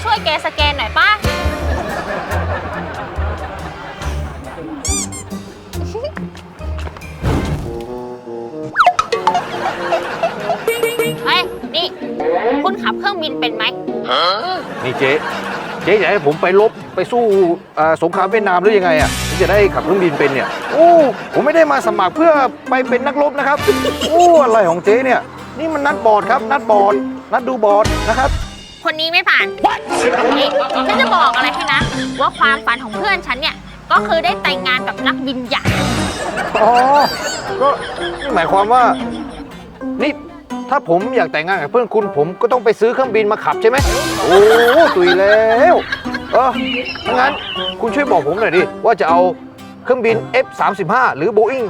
ช่วยแกสแกนหน่อยป่ะเฮ้ยนี่คุณขับเครื่องบินเป็นไหมนี่เจ๊อยากให้ผมไปรบไปสู้สงครามเวียดนามหรือยังไงอ่ะที่จะได้ขับเครื่องบินเป็นเนี่ยโอ้ผมไม่ได้มาสมัครเพื่อไปเป็นนักรบนะครับโอ้อะไรของเจ๊เนี่ยนี่มันนัดบอร์ดครับนัดบอร์ดนัดดูบอร์ดนะครับคนนี้ไม่ผ่านนี่ฉันจะบอกอะไรให้นะว่าความฝันของเพื่อนฉันเนี่ยก็คือได้แต่งงานกับนักบินใหญ่อ๋อก็นี่หมายความว่านี่ถ้าผมอยากแต่งงานกับเพื่อนคุณผมก็ต้องไปซื้อเครื่องบินมาขับใช่ไหมโอ้ตุยแล้วงั้นคุณช่วยบอกผมหน่อยดิว่าจะเอาเครื่องบิน F-35 หรือ Boeing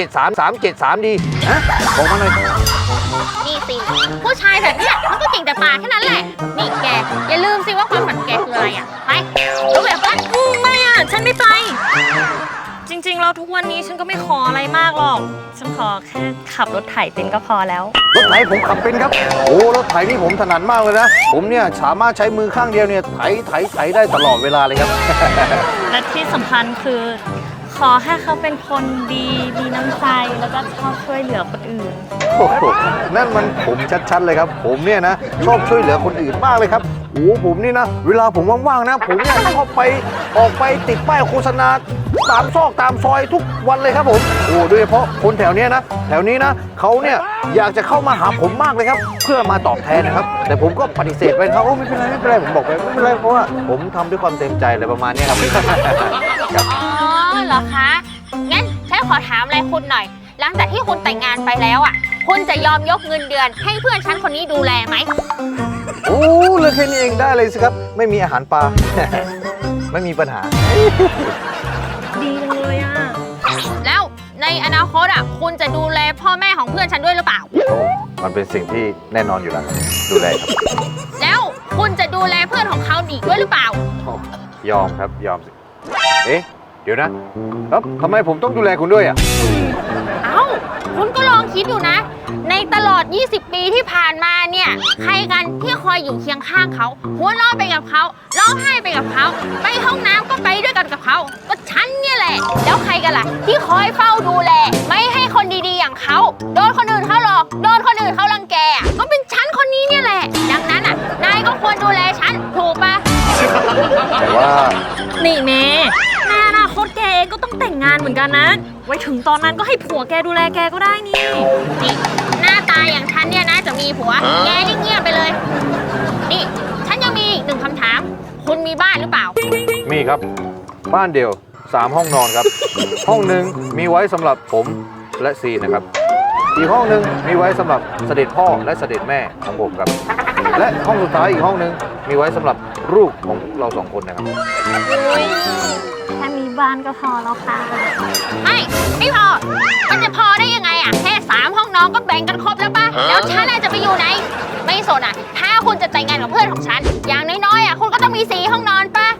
373 ดีฮะบอกมาหน่อยนี่สิผู้ชายแบบเนี้ยมันก็เก่งแต่ปากแค่นั้นแหละนี่แกอย่าลืมสิว่าความฝันแกคืออะไรอ่ะไปรู้แบบว่าไม่อ่ะฉันไม่ไปจริงๆเราทุกวันนี้ฉันก็ไม่ขออะไรมากหรอกฉันขอแค่ขับรถไถเป็นก็พอแล้วรถไถผมขับเป็นครับโอ้รถไถนี่ผมถนัดมากเลยนะผมเนี่ยสามารถใช้มือข้างเดียวเนี่ยไถได้ตลอดเวลาเลยครับและที่สำคัญคือขอให้เขาเป็นคนดีมีน้ำใจแล้วก็ชอบช่วยเหลือคนอื่นโอ้โหนั่นมันผมชัดๆเลยครับผมเนี่ยนะชอบช่วยเหลือคนอื่นมากเลยครับโอ้ผมนี่นะเวลาผมว่างๆนะผมเนี่ยชอบออกไปติดป้ายโฆษณาตามซอกตามซอยทุกวันเลยครับผมโอ้โดยเฉพาะคนแถวนี้นะเขาเนี่ยอยากจะเข้ามาหาผมมากเลยครับเพื่อมาตอบแทนนะครับแต่ผมก็ปฏิเสธไปครับโอ้ไม่เป็นไรผมบอกไปไม่เป็นไรเพราะว่าผมทำด้วยความเต็มใจอะไรประมาณนี้ครับอ๋อเหรอคะงั้นฉันขอถามอะไรคุณหน่อยหลังจากที่คุณแต่งงานไปแล้วอ่ะคุณจะยอมยกเงินเดือนให้เพื่อนฉันคนนี้ดูแลไหมโอ้เรื่องแค่นี้เองได้เลยสิครับไม่มีอาหารปลาไม่มีปัญหาดีเลยอ่ะแล้วในอนาคตอ่ะคุณจะดูแลพ่อแม่ของเพื่อนฉันด้วยหรือเปล่ามันเป็นสิ่งที่แน่นอนอยู่แล้วดูแลครับแล้วคุณจะดูแลเพื่อนของเขาอีกด้วยหรือเปล่ายอมครับยอมสิเอ๊ะเดี๋ยวนะแล้วทำไมผมต้องดูแลคุณด้วยอ่ะเอ้าคุณก็ลองคิดดูนะในตลอด20 ปีที่ผ่านมาเนี่ยใครกันที่คอยอยู่เคียงข้างเขาหัวเราะไปกับเขาร้องไห้ไปกับเขาไปห้องน้ำก็ไปด้วยกันกับเขาก็ฉันเนี่ยแหละแล้วใครกันล่ะที่คอยเฝ้าดูแลไม่ให้คนดีๆอย่างเขาโดนคนอื่นเขาหลอกโดนคนอื่นเขารังแกก็เป็นฉันคนนี้เนี่ยแหละดังนั้นอ่ะนายก็ควรดูแลฉันถูกปะแต่ว่านี่เมย์ในอนาคตแกเองก็ต้องแต่งงานเหมือนกันนะไว้ถึงตอนนั้นก็ให้ผัวแกดูแลแกก็ได้นี่หน้าตาอย่างฉันเนี่ยนะจะมีผัวแกนี่เงียบไปเลยนี่ฉันยังมีอีก1 คำถามคุณมีบ้านหรือเปล่ามีครับบ้านเดี่ยว3 ห้องนอนครับห้องหนึ่งมีไว้สำหรับผมและซีนะครับอีกห้องหนึ่งมีไว้สำหรับเสด็จพ่อและเสด็จแม่ของผมครับและห้องสุดท้ายอีกห้องหนึ่งมีไว้สำหรับลูกของเรา2 คนนะครับแค่มีบ้านก็พอแล้วค่ะไม่พอมันจะพอได้ยังไงอ่ะแค่3 ห้องนอนก็แบ่งกันครบแล้วป่ะแล้วฉันจะไปอยู่ไหนไม่สนอ่ะถ้าคุณจะแต่งงานกับเพื่อนของฉันอย่างน้อยๆอ่ะคุณก็ต้องมี4 ห้องนอนป่ะ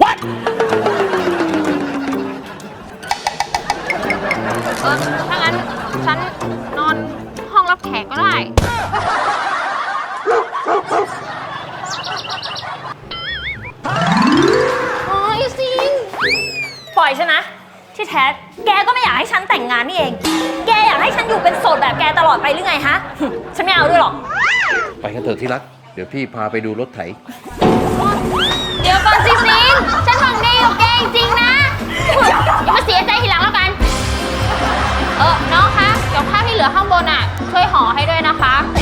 ถ้างั้นฉันนอนห้องรับแขกก็ได้โอ้ยซิงปล่อยฉันนะที่แท้แกก็ไม่อยากให้ฉันแต่งงานนี่เองแกอยากให้ฉันอยู่เป็นโสดแบบแกตลอดไปหรือไงฮะฉันไม่เอาด้วยหรอกไปกันเถอะที่รักเดี๋ยวพี่พาไปดูรถไถเดี๋ยวก่อนซิซิงฉันหวังดีกับแกจริงๆนะอย่ามาเสียใจทีหลังแล้วกันน้องคะเดี๋ยวข้าวที่เหลือข้างบนอ่ะช่วยห่อให้ด้วยนะคะ